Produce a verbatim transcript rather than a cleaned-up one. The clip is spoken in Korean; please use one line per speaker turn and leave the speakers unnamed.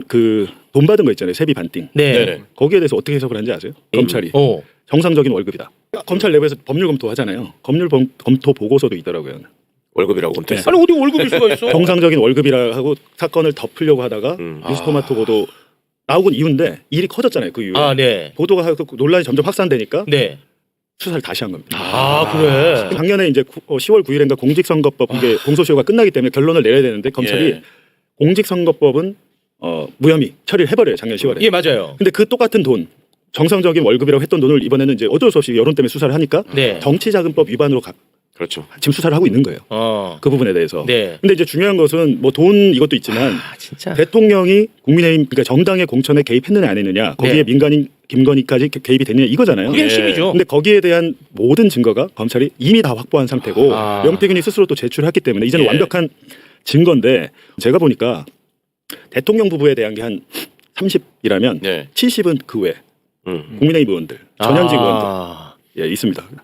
그 돈 받은 거 있잖아요. 세비 반띵.
네.
네네.
거기에 대해서 어떻게 해석을 하는지 아세요? 검찰이
어.
정상적인 월급이다. 검찰 내부에서 법률 검토하잖아요. 법률 범, 검토 보고서도 있더라고요.
월급이라고 검토했어.
아니 어디 월급일 수가 있어?
정상적인 월급이라 하고 사건을 덮으려고 하다가
음.
뉴스토마토 보도 나오곤 이후인데 일이 커졌잖아요. 그 이후에
아, 네.
보도가 하고 논란이 점점 확산되니까
네.
수사를 다시 한 겁니다.
아, 그래.
작년에 이제 시월 구일인가 공직선거법 이게 공소시효가 끝나기 때문에 결론을 내려야 되는데 검찰이
예.
공직선거법은 어, 무혐의 처리를 해버려요. 작년 시월에.
예, 맞아요.
근데 그 똑같은 돈 정상적인 월급이라고 했던 돈을 이번에는 이제 어쩔 수 없이 여론 때문에 수사를 하니까
네.
정치자금법 위반으로 가,
그렇죠.
지금 수사를 하고 있는 거예요.
어.
그 부분에 대해서.
네.
근데 이제 중요한 것은 뭐 돈 이것도 있지만
아, 진짜.
대통령이 국민의힘 그러니까 정당의 공천에 개입했느냐 안 했느냐 거기에
네.
민간인 김건희까지 개- 개입이 됐느냐 이거잖아요.
그게
예.
핵심이죠.
근데 거기에 대한 모든 증거가 검찰이 이미 다 확보한 상태고
아.
명태균이 스스로 또 제출했기 때문에 이제는
예.
완벽한 증거인데 제가 보니까 대통령 부부에 대한 게 한 삼십이라면
네.
칠십은 그 외
음.
국민의힘 의원들 전현직 의원들
아.
예 있습니다.